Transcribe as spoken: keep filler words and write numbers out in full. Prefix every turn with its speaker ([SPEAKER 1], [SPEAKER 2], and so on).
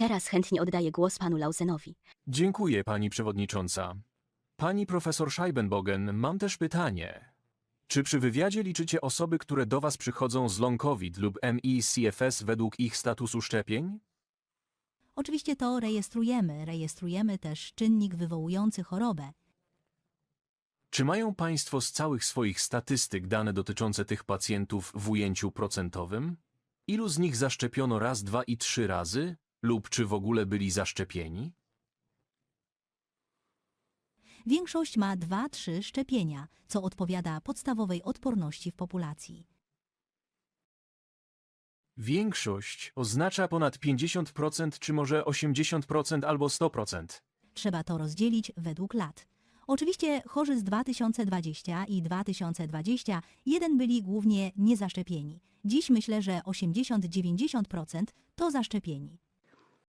[SPEAKER 1] Teraz chętnie oddaję głos panu Lausenowi.
[SPEAKER 2] Dziękuję, pani przewodnicząca. Pani profesor Scheibenbogen, mam też pytanie. Czy przy wywiadzie liczycie osoby, które do was przychodzą z long COVID lub M I C F S według ich statusu szczepień?
[SPEAKER 3] Oczywiście to rejestrujemy. Rejestrujemy też czynnik wywołujący chorobę.
[SPEAKER 2] Czy mają państwo z całych swoich statystyk dane dotyczące tych pacjentów w ujęciu procentowym? Ilu z nich zaszczepiono raz, dwa i trzy razy? Lub czy w ogóle byli zaszczepieni?
[SPEAKER 3] Większość ma dwa trzy szczepienia, co odpowiada podstawowej odporności w populacji.
[SPEAKER 2] Większość oznacza ponad pięćdziesiąt procent, czy może osiemdziesiąt procent albo sto procent.
[SPEAKER 3] Trzeba to rozdzielić według lat. Oczywiście chorzy z dwa tysiące dwudziestego i dwa tysiące dwudziestego pierwszego byli głównie niezaszczepieni. Dziś myślę, że osiemdziesiąt do dziewięćdziesięciu procent to zaszczepieni.